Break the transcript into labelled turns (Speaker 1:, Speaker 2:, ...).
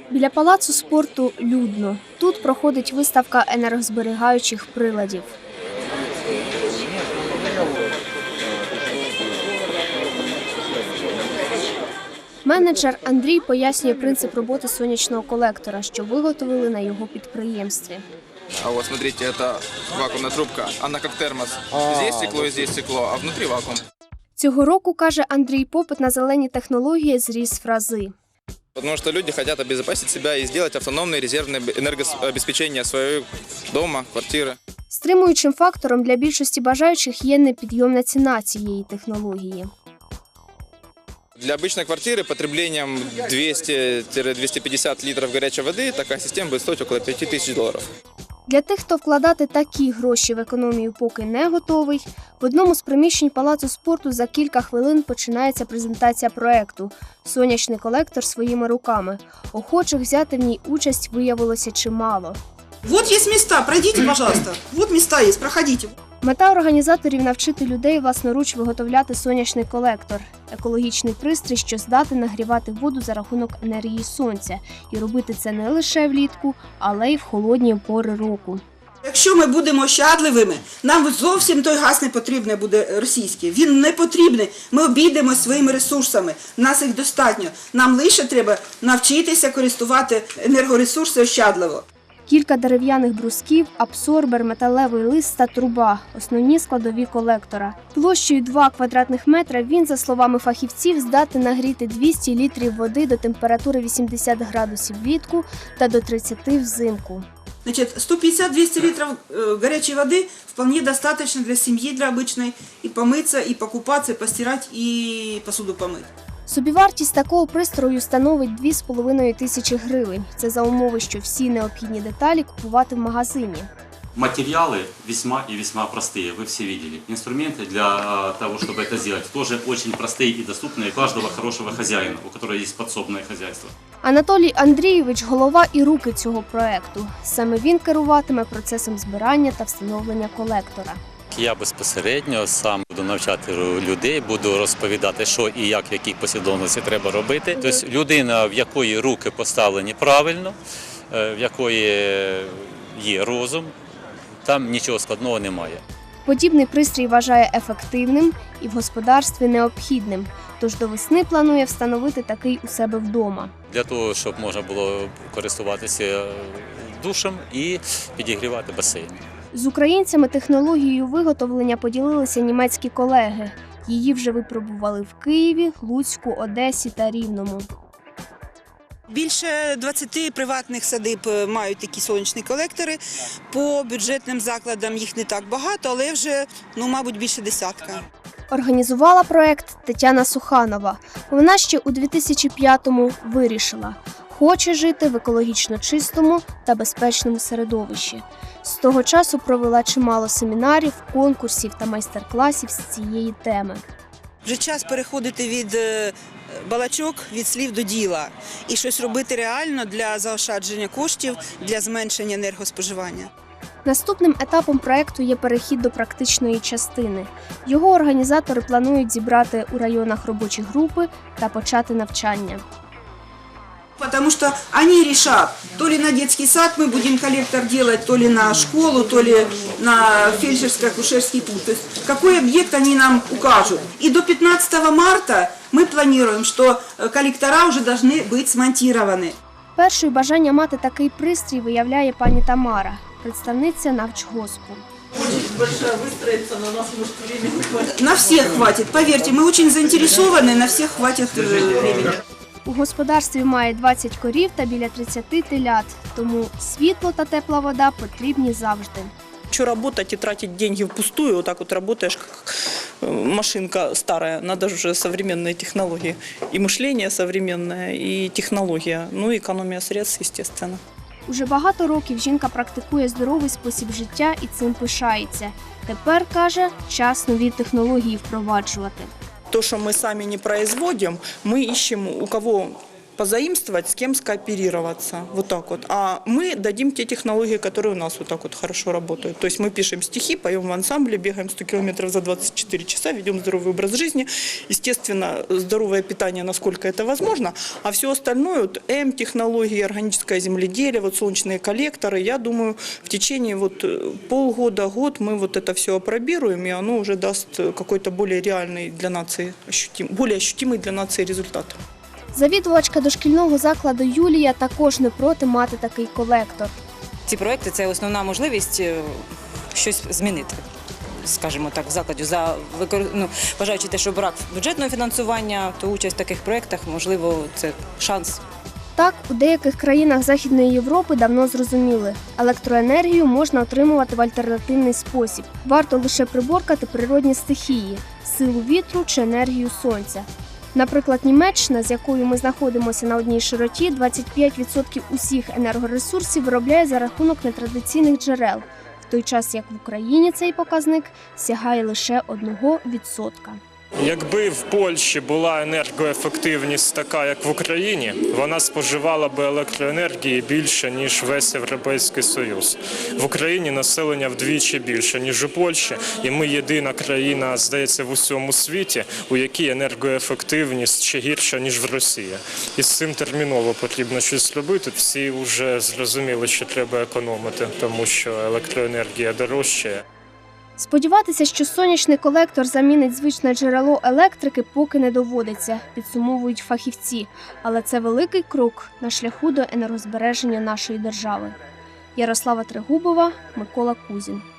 Speaker 1: Біля палацу спорту людно. Тут проходить виставка енергозберігаючих приладів. Менеджер Андрій пояснює принцип роботи сонячного колектора, що виготовили на його підприємстві.
Speaker 2: А вот смотрите, это вакуумная трубка, она как термос. Здесь стекло, а внутри вакуум.
Speaker 1: Цього року, каже Андрій, попит на зелені технології зріс в рази.
Speaker 2: Потому что люди хотят обезопасить себя и сделать автономное резервное энергообеспечение своего дома, квартиры.
Speaker 1: Стримуючим фактором для більшості бажаючих є непідйомна ціна цієї технології.
Speaker 2: Для обычной квартиры потреблением 200-250 литров горячей воды такая система будет стоить около $5000.
Speaker 1: Для тих, хто вкладати такі гроші в економію поки не готовий, в одному з приміщень палацу спорту за кілька хвилин починається презентація проекту «Сонячний колектор своїми руками». Охочих взяти в ній участь виявилося чимало.
Speaker 3: Вот есть места, пройдите, пожалуйста. Вот места есть, проходите.
Speaker 1: Мета організаторів – навчити людей власноруч виготовляти сонячний колектор – екологічний пристрій, що здатен нагрівати воду за рахунок енергії сонця. І робити це не лише влітку, але й в холодні пори року.
Speaker 3: Якщо ми будемо ощадливими, нам зовсім той газ не потрібний буде російський. Він не потрібний. Ми обійдемо своїми ресурсами. Нас їх достатньо. Нам лише треба навчитися користувати енергоресурси ощадливо.
Speaker 1: Кілька дерев'яних брусків, абсорбер, металевий лист та труба – основні складові колектора. Площею 2 квадратних метра він, за словами фахівців, здатен нагріти 200 літрів води до температури 80 градусів влітку та до 30 взимку.
Speaker 3: Значит, 150-200 литров горячей воды вполне достаточно для семьи, для обычной, и помыться, и покупаться, и постирать, и посуду помыть.
Speaker 1: Собівартість такого пристрою становить 2500 гривень. Це за умови, що всі необхідні деталі купувати в магазині.
Speaker 4: Материалы весьма и весьма простые, вы все видели. Инструменты для того, чтобы это сделать, тоже очень простые и доступные каждого хорошего хозяина, у которого есть подсобное хозяйство.
Speaker 1: Анатолій Андрійович – голова і руки цього проекту. Саме він керуватиме процесом збирання та встановлення колектора.
Speaker 5: Я безпосередньо сам буду навчати людей, буду розповідати, що і як, в якій послідовності треба робити. Тобто людина, в якої руки поставлені правильно, в якої є розум, там нічого складного немає.
Speaker 1: Подібний пристрій вважає ефективним і в господарстві необхідним, тож до весни планує встановити такий у себе вдома.
Speaker 5: Для того, щоб можна було користуватися душем і підігрівати басейн.
Speaker 1: З українцями технологією виготовлення поділилися німецькі колеги. Її вже випробували в Києві, Луцьку, Одесі та Рівному.
Speaker 3: Більше 20 приватних садиб мають такі сонячні колектори. По бюджетним закладам їх не так багато, але вже, мабуть, більше десятка.
Speaker 1: Організувала проект Тетяна Суханова. Вона ще у 2005-му вирішила – хоче жити в екологічно чистому та безпечному середовищі. З того часу провела чимало семінарів, конкурсів та майстер-класів з цієї теми.
Speaker 3: Вже час переходити від балачок, від слів до діла і щось робити реально для заощадження коштів, для зменшення енергоспоживання.
Speaker 1: Наступним етапом проекту є перехід до практичної частини. Його організатори планують зібрати у районах робочі групи та почати навчання.
Speaker 3: Потому что они решат, то ли на детский сад мы будем коллектор делать, то ли на школу, то ли на фельдшерско-акушерский пункт. То есть какой объект они нам укажут. И до 15 марта мы планируем, что коллектора уже должны быть смонтированы.
Speaker 1: Першою бажання мати такий пристрій виявляє пані Тамара, представниця Навчгоспу.
Speaker 3: На всех хватит, поверьте, мы очень заинтересованы, на всех хватит времени.
Speaker 1: У господарстві має 20 корів та біля 30 телят, тому світло та тепла вода потрібні завжди.
Speaker 6: Что работать и тратить деньги впустую, вот так вот работаешь, как машинка старая, надо же уже современные технологии. И мышление современное, и технология, ну и экономия средств, естественно.
Speaker 1: Уже багато років жінка практикує здоровий спосіб життя і цим пишається. Тепер, каже, час нові технології впроваджувати.
Speaker 6: То, что мы сами не производим, мы ищем, у кого позаимствовать, с кем скооперироваться. Вот так вот. А мы дадим те технологии, которые у нас вот так вот хорошо работают. То есть мы пишем стихи, поем в ансамбле, бегаем 100 километров за 24 часа, ведем здоровый образ жизни. Естественно, здоровое питание, насколько это возможно. А все остальное, вот М-технологии, органическое земледелие, вот солнечные коллекторы, я думаю, в течение вот полгода-год мы вот это все опробируем, и оно уже даст какой-то более реальный для нации, более ощутимый для нации результат.
Speaker 1: Завідувачка дошкільного закладу Юлія також не проти мати такий колектор.
Speaker 7: Ці проекти – це основна можливість щось змінити, скажімо так, в закладі. Вважаючи те, що брак бюджетного фінансування, то участь в таких проєктах, можливо, це шанс.
Speaker 1: Так, у деяких країнах Західної Європи давно зрозуміли – електроенергію можна отримувати в альтернативний спосіб. Варто лише приборкати природні стихії – силу вітру чи енергію сонця. Наприклад, Німеччина, з якою ми знаходимося на одній широті, 25% усіх енергоресурсів виробляє за рахунок нетрадиційних джерел, в той час як в Україні цей показник сягає лише 1%.
Speaker 8: Якби в Польщі була енергоефективність така, як в Україні, вона споживала би електроенергії більше, ніж весь Європейський Союз. В Україні населення вдвічі більше, ніж у Польщі, і ми єдина країна, здається, в усьому світі, у якій енергоефективність ще гірша, ніж в Росії. І з цим терміново потрібно щось робити. Всі вже зрозуміли, що треба економити, тому що електроенергія дорожчає.
Speaker 1: Сподіватися, що сонячний колектор замінить звичне джерело електрики, поки не доводиться, підсумовують фахівці. Але це великий крок на шляху до енергозбереження нашої держави. Ярослава Трегубова, Микола Кузін.